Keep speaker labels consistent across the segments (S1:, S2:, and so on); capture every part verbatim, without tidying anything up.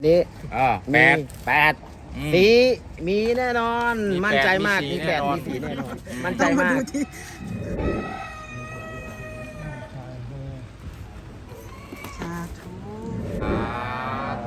S1: นี่
S2: อ่าแป
S1: มี
S2: ด
S1: แปด
S2: อืม
S1: สีมีแน่นอน
S2: มี
S1: มั่นใจมาก
S2: แปดมี
S1: มี
S2: สี
S1: แปด
S2: แน่นอน
S1: มีสีแน่นอน
S2: อืม
S1: มั่นใจมาก
S3: สาธุ
S2: สาธุ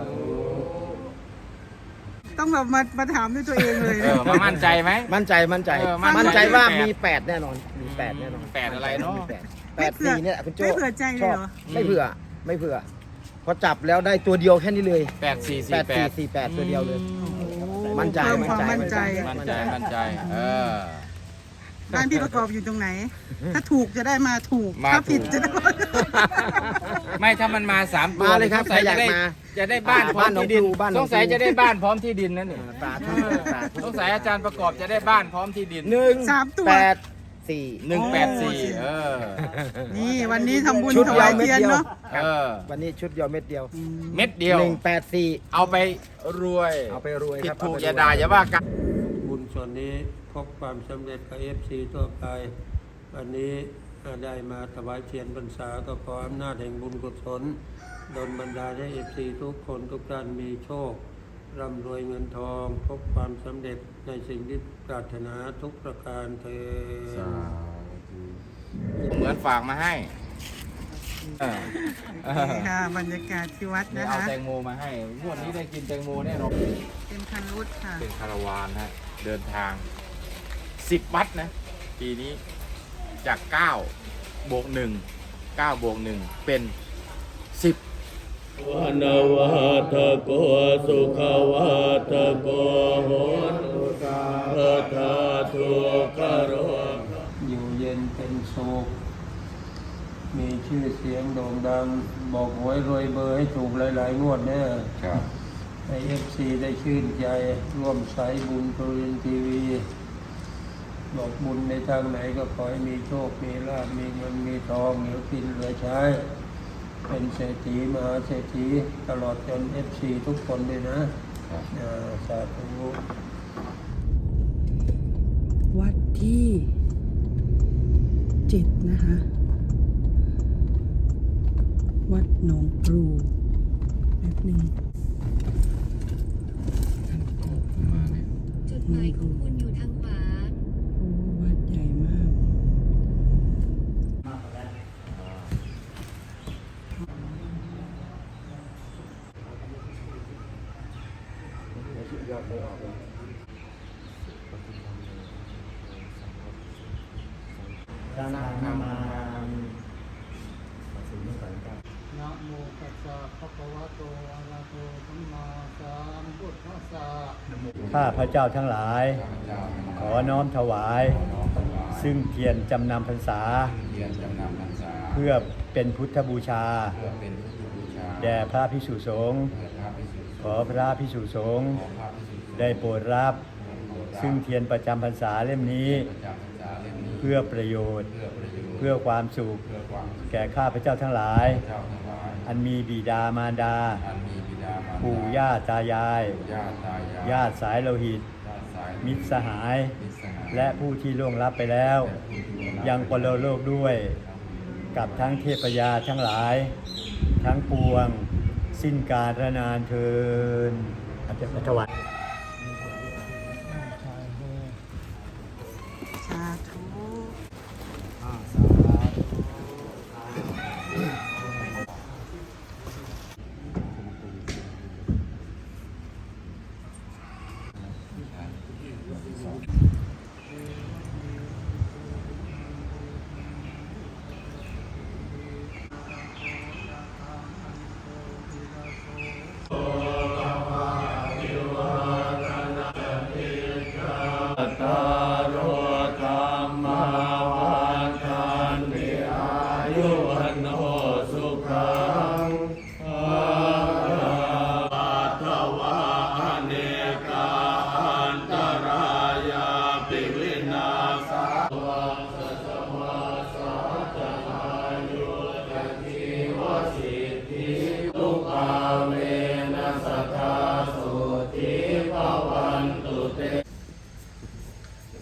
S3: ต้องแบบมามาถามด้วยตัวเองเลย
S2: เออมามั่นใจไหม
S1: มั่นใจมั่นใจ
S2: เออมั่นใจ
S1: มั่นใจว่า
S2: แปด
S1: มีแปดแน่นอน มีแปดแน่นอน
S2: แปดอะไรเนอะ
S1: มีแปดแปดสีเนี่ยคุณโจ้
S3: ไม่เผื่อใจเลยเหรอ
S1: ชอบไม่เผื่อไม่เผื่อพอจับแล้วได้ตัวเดียวแค่นี้เลย
S2: แปดสี่
S1: แป
S2: สี่
S1: ด
S2: แป
S1: สี่
S2: ด
S1: สี่แปดตัวเดียวเลย
S3: โอ้
S1: มั่นใจ
S3: เพิ่มความ
S1: มั่
S3: มั่
S1: น
S3: น
S1: ใจ
S3: ใจ
S2: มั่นใจมั่นใจเออ
S3: บ้านพี่ประกอบอยู่ตรงไหน ถ้าถูกจะได้มาถูก
S2: มา
S3: ถ้าผิด
S2: ถูก
S3: จะได้
S2: ไม่ถ้ามันมาสามตัว
S1: มาเลยครับ
S2: สงสัย
S1: ใครอยาก
S2: จะได้
S1: มา
S2: จะได้บ้านพร้อม
S1: บ้านหนอง
S2: ที่ดิน
S1: ปลูบ้านหน
S2: ส
S1: อง
S2: งสัย
S1: ปลู
S2: จะได้บ้านพร้อมที่ดินนั่นนี่
S1: สาธุสาธุ
S2: สงสัยอาจารย์ประกอบจะได้บ้านพร้อมที่ดิน
S1: หนึ่ง
S3: สามตัว
S1: แปดสี่
S2: หนึ่งแปดสี่เออ
S3: นี่วันนี้ทำบุญ
S1: ชุด
S3: ถ
S1: เดียว
S3: วาย
S1: เม็ด
S3: เทียน
S1: เดียว
S3: เนาะ
S2: เออ
S1: วันนี้ชุดเดียวเม็ดเดียว
S2: เม็ดเดียว
S1: หนึ่งแปดสี่
S2: เอาไปรวย
S1: เอาไปรวย
S2: ผิ
S1: ค
S2: ด
S1: รับ
S2: ถูก
S1: เไปรว
S2: อย่าด่าอย่าว่ากัน
S4: บุญส่วนนี้พบความสำเร็จกับเอฟซีทั่วไปวันนี้ได้มาถวายเทียนพรรษาก็ขออำนาจแห่งบุญกุศลดลบันดาลให้เอฟซีทุกคนทุกท่านมีโชคร่ำรวยเงินทอง พบความสำเร็จในสิ่งที่ปรารถนาทุกประการเถิด
S2: เหมือนฝากมาให้เออเออ
S3: นี่ค่ะบรรยากาศที่วัด
S2: เนี่
S3: นะ
S2: ยเอา
S3: คะ
S2: แตงโมมาให้งวดนี้ได้กินแตงโมแน่นอน
S3: เป็นคันรุดค่ะ
S2: เป็นคาราวานฮะเดินทางสิบวัดนะปีนี้จากเก้าบวกหนึ่งเก้าบวกหนึ่งเป็นสิบ
S5: วนวัตโกสุขวัตโกโหตุสาธาทุกขโร
S4: อยู่เย็นเป็นสุขมีชื่อเสียงโด่งดัง บอกหวยรวยเบอร์ให้ถูกหลายๆงวดแน่
S2: ครับ
S4: ให้เอฟซีได้ชื่นใจร่วมสายบุญโทรทัศน์ทีวีบอกบุญในทางไหนก็ขอให้มีโชค มีลาภมีเงินมีทองเหลือกินเหลือใช้ เป็นเศรษฐีมหาเศรษฐีตลอดจนเอฟซีทุกคนเลยนะอ่าสาธุ
S3: วัดที่เจ็ดนะคะ วัดหนองปรูแป๊บหนึ่ง
S6: จุดหมายของคุณอยู่ทางขวา
S3: โอ้วัดใหญ่มาก
S1: นานานามา
S7: นะโมตัสสะภะคะวะโตอะระหะโตสัมมาสัมพุทธัสสะ
S5: ข้าพระเจ้าทั้งหลาย ขอน้อมถวาย ซึ่งเทียนจำนำพรรษา เพื่อเป็นพุทธบูชา แด่พระภิกษุสงฆ์ขอพระภิกษุสงฆ์ได้โปรดรับ ซึ่งเทียนประจำพรรษาเล่มนี้ เพื่อประโยชน์ เพื่อความสุข แก่ข้าพระเจ้าทั้งหลาย อันมีบิดามารดา ปู่ย่าตายาย ญาติสายโลหิต มิตรสหาย และผู้ที่ล่วงลับไปแล้ว ยังปรโลกด้วย กับทั้งเทพยาทั้งหลาย ทั้งปวง สิ้นกาลนานเทินอาจารย์ถวาย
S3: สาธุ
S5: ตารโรธรรมวันทันติอายุวันโนสุขังภะปัตถวะอเนกาอันตรายาปิวินาศาวังสัจมาสัจจายุตติวสิทธิทุกาเวนะสัทธาสุติภวันตุเต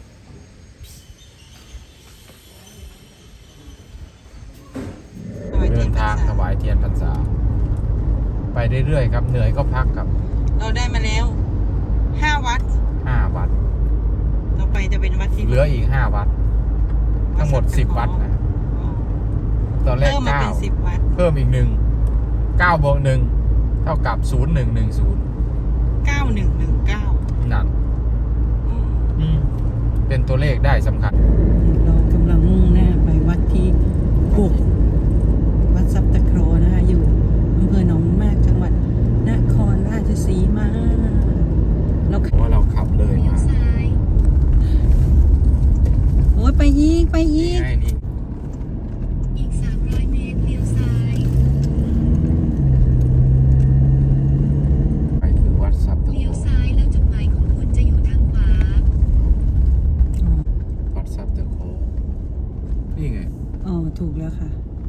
S2: เรื่อยๆครับเหนื่อยก็พักครับ
S3: เราได้มาแล้วห้าวัด
S2: ห้าวัด
S3: ต่อไปจะเป็นวัดที่
S2: เหลืออีกห้าวัด ทั้งหมดสิบวัดนะ
S3: อ๋อ
S2: ตอนแรก
S3: เพิ่มมา
S2: เก้า
S3: เป็นสิบวัด
S2: เพิ่มอีกหนึ่งเก้าบวกหนึ่งเท่ากับศูนย์หนึ่งหนึ่งศูนย์
S3: เก้าหนึ่งหนึ่งเก้า
S2: นั่นอืมเป็นตัวเลขได้สำคัญ
S3: เรากำลังมุ่งหน้าไปวัดที่หกวัดซับตะโครนะคะอยู่อำเภอหนองมากจังหวัดนครราชสีมาเรา
S2: เพราะว่าเราขับเลย
S6: เลี้ยว
S2: มา
S6: ซ้าย
S3: โอ้ยไปอีกไปอีก
S2: ง่ายนี่
S6: อีกสามร้อยเมตรเลี้ยวซ้าย
S2: ไปถึงวัดซับตะโก
S6: เลี้ยวซ้ายแล้วจุดหมายของคุณจะอยู่ทางขวา
S2: วัดซับตะโกนี่ไง
S3: อ๋อถูกแล้วค่ะ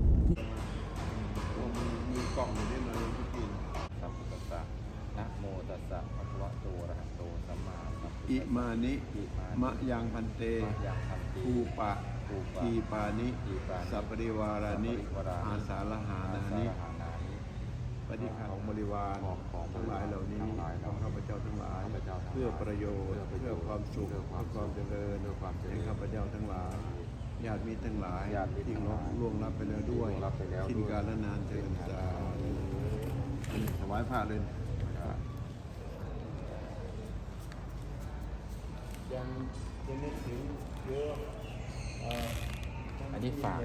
S2: มีกล้องอยู่ด้วยมาเลยทุกทีสัมพุทธัสสะนะโมตัสสะภะคะวะโตอะระหะโตสัมมาสัมพุทธัสสะ
S5: อิมานิ
S2: อิมานิ
S5: มะยังพันเต
S2: มะยังพันติ
S5: ภูปะ
S2: ภูปะ
S5: ทีปานิ
S2: ทีปานิ
S5: สัปปริวารานิ
S2: สัพปริวารานิ
S5: อาสาลหานานิ
S2: อาสาฬหานานิ
S5: ปฏิฆาของบริวาร
S2: ของของ
S5: ทั้งหลายเหล่านี้
S2: ทั้งหลาย
S5: ข
S2: เหล่า
S5: อง
S2: นี้
S5: ข้าพเจ้าทั้งหลาย
S2: ข้าพเจ้าทั้งหลาย
S5: เพื่อประโยชน์
S2: เพื่
S5: เพื่
S2: อ
S5: อ
S2: ประโยชน์
S5: ความสุข
S2: เพื่อความ
S5: เพื่อความเจริญ
S2: เพื่อความเจริญ
S5: แห่งข้าพเจ้าทั้งหลายญาติมิตรทั้งหลาย
S2: ญาติมิตร
S5: ที่
S2: ทั้งหลาย
S5: ล่วงรับไปแล้วด้วย
S2: ล่วงลับไปแล้ว
S5: สิ้น
S2: ด้วย
S5: กาลนานเถิดสาธุถวายพระเลย ยังยังนึกถึงเยอะ
S2: อันนี้ฝาก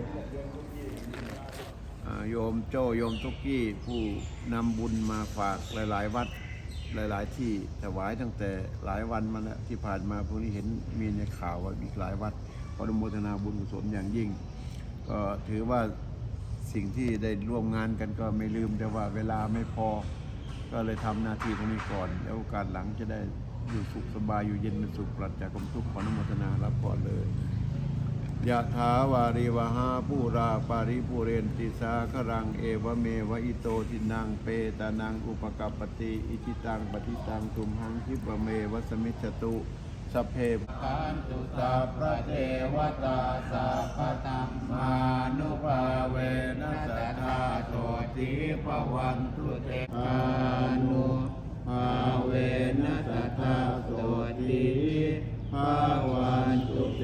S5: อ่าโยมโจ้โยมทุกกี้ผู้นำบุญมาฝากหลาย ๆ วัดหลาย ๆ ที่ถวายตั้งแต่หลายวันมาแล้วที่ผ่านมาพวกนี้เห็นมีในข่าวว่าอีกหลายวัดขออนุโมทนาบุญกุศลอย่างยิ่ง ก็ถือว่าสิ่งที่ได้ร่วมงานกันก็ไม่ลืมแต่ว่าเวลาไม่พอ ก็เลยทำหน้าที่ตรงนี้ก่อน แล้วโอกาสหลังจะได้อยู่สุขสบายอยู่เย็นเป็นสุขปราศจากความทุกข์ขออนุโมทนารับก่อนเลยยะถาวาริวหาปูราปาริปุเรนติสาครังเอวเมวะอิโตทินังเปตานังอุปกัปปติอิจิตังปฏิตังตุมหังคิปะเมวัสมิจฉตุสัพเพปันตุสัพพะเทวตาสัพพะธัมมานุภาเวนัสสะธาโตติภวันตุเตอานุภาเวนัสสะธาโตติภวันตุเต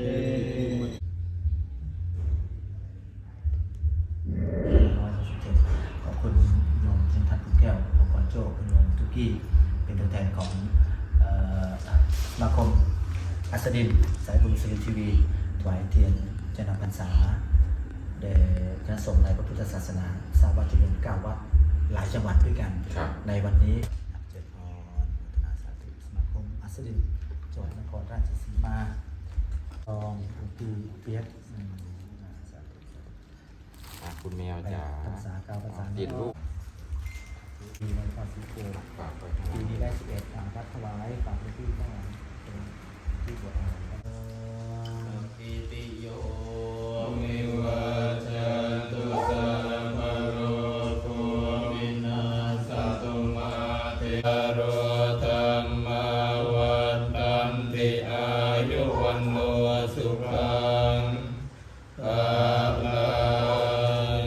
S8: ขอบคุณโยมชินทัศน์คุณแก้วขอบคุณโจ้คุณโยมทุกกี้เป็นตัวแทนของเอ่อสมาคมอัสดินสายบุญสุรินทร์ทีวีถวายเทียนเจนพรรษาแด่คณะสงฆ์ในพระพุทธศาสนาทราบว่าจะมีเก้าวัดหลายจังหวัดด้วยกัน
S2: ครับ
S8: ในวันนี้เจริญพรพัฒนาสาธุสมาคมอัสดินจังหวัดนครราชสีมาตองคุณปีเปียกอืมสาธุ
S2: อ่ะคุณแมว
S8: แป
S2: จ๋า
S8: ดพรรษาเก้าพรรษา
S2: ติดลูก
S8: ปีในภาษีโก
S2: ฝากไปข้างหลั
S8: ปี
S2: ง
S8: นี้ได้สิบเอ็ดทางวัดถวายฝากไปที่ข้างหลังเป็นที่บวชอาครับ
S2: อิติโยวิวัชตุสัพพะโรโควินาศตุมาเตโรธรรมาวันตันติอายุวันโนสุขังภาลัง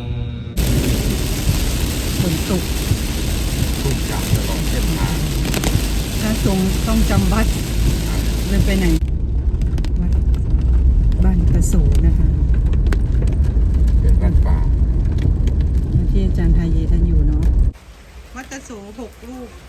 S3: ฝนตก
S2: ทุกอย่างตลอดเส้นทาง
S3: พระสงฆ์ต้องจำวัดเลยไปไหน วัดบ้านกระโสนะคะ
S2: เป็นบ้านป่า
S3: ที่อาจารย์ไทยเยท่านอยู่เนาะวัดกระโสหกลูก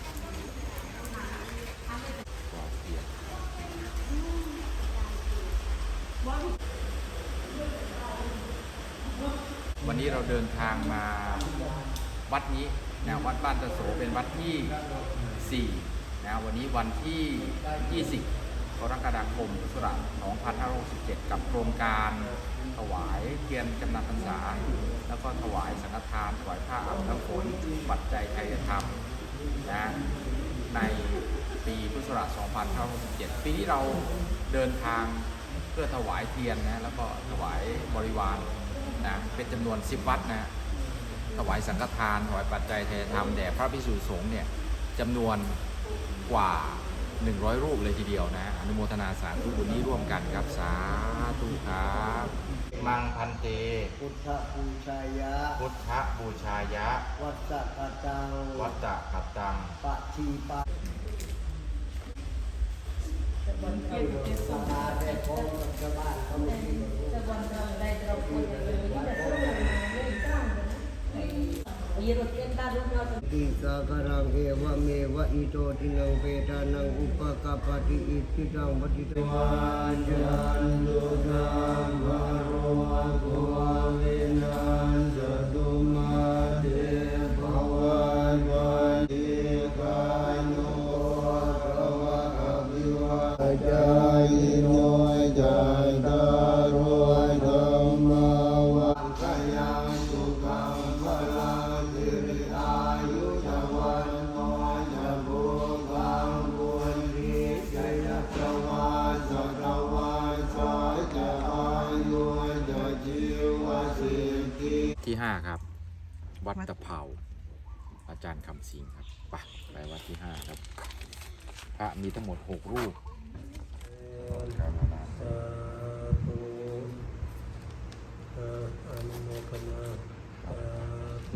S2: วันนี้เราเดินทางมาวัดนี้นะวัดบ้านตะโสเป็นวัดที่สี่นะวันนี้วันที่ยี่สิบกรกฎาคมพุทธศักราชสองพันห้าร้อยหกสิบเจ็ดกับโครงการถวายเทียนจำนำพรรษา แล้วก็ถวายสังฆทานถวายผ้าอาบน้ำฝนปัจจัยไทยธรรมนะในปีพุทธศักราชสองพันห้าร้อยหกสิบเจ็ดปีนี้เราเดินทางเพื่อถวายเทียนนะแล้วก็ถวายบริวารนะเป็นจำนวนสิบวัดนะถวายสังฆทานถวายปัจจัยไทยธรรมแด่พระภิกษุสงฆ์เนี่ยจำนวนกว่าหนึ่งร้อยรูปเลยทีเดียวนะอนุโมทนาสาธุบุญนี้ร่วมกันครับสาธุครับมังพันเต
S1: พุทธบูชายะ
S2: พุทธบูชายะ
S1: วัสสะกตัง
S2: วัตตะกัตตัง
S1: ปะชีปะสาราได้พบกับชาวบ้านเขาไม่มีติสากรังเอวะเมวะอิโตทินังเปตานังอุปกปปติอิทิตังปฏิตังวาจันตุสัมภโรโกวินัสสตุมาเตภวันวันติกายุภวะอภิวาจายิโนจันตารโอธัมมาวันกยังสุขังพลังสิริอายุจวันโนจะบุกังบุญริจยจวัสสะตวัสสะจะอายุจะชีวสิทธิ
S2: ที่ห้าครับ วัดตะเภาอาจารย์คำสิงครับไปไปวัดที่ห้าครับ พระมีทั้งหมดหกรูป
S4: สาธุอนุโมทนาสาธุ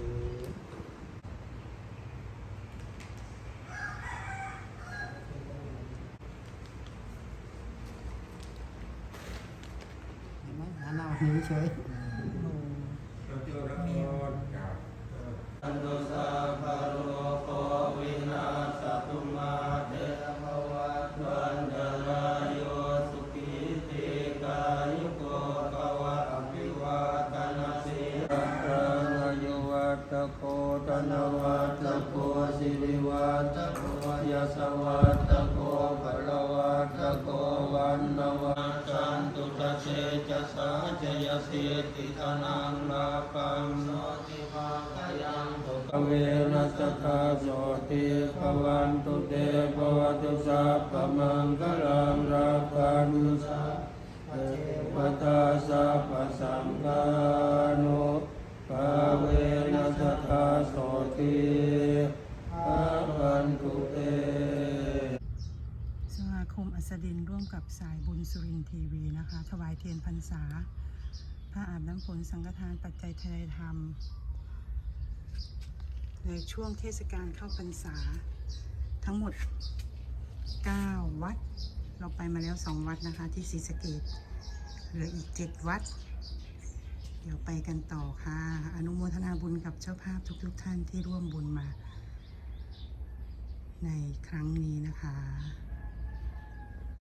S7: หาหน้าหิวเฉย
S4: อันโตสาภะโลโกวินาศตุมาเตภวัตวันตรายโยสุขีติกายุโกภวะอภิวาทนาสิรัตนายุวัตโกธนวัตโกสิริวัตโกยสวัตโกภลวัตโกวันนวัตจันตุตเชจะสาจยสิทธิธนังลาภังโสติภาคยังตุกเวนัสคาโสติภวันตุเตภวตุสัพพมังคลังรักขันสัพพเทวตาสัพพสังฆานุภาเวนัสคาโสติภวันตุเต
S3: สมาคมอัสดินร่วมกับสายบุญสุรินทร์ทีวีนะคะ ถวายเทียนพรรษาพระอาบน้ำฝนสังฆทานปัจจัยทนายธรรม ในช่วงเทศกาลเข้าพรรษาทั้งหมดเก้าวัด เราไปมาแล้วสองวัดนะคะที่ศรีสะเกษเหลืออีกเจ็ดวัด เดี๋ยวไปกันต่อค่ะ อนุโมทนาบุญกับเจ้าภาพทุกๆท่านที่ร่วมบุญมาในครั้งนี้นะคะ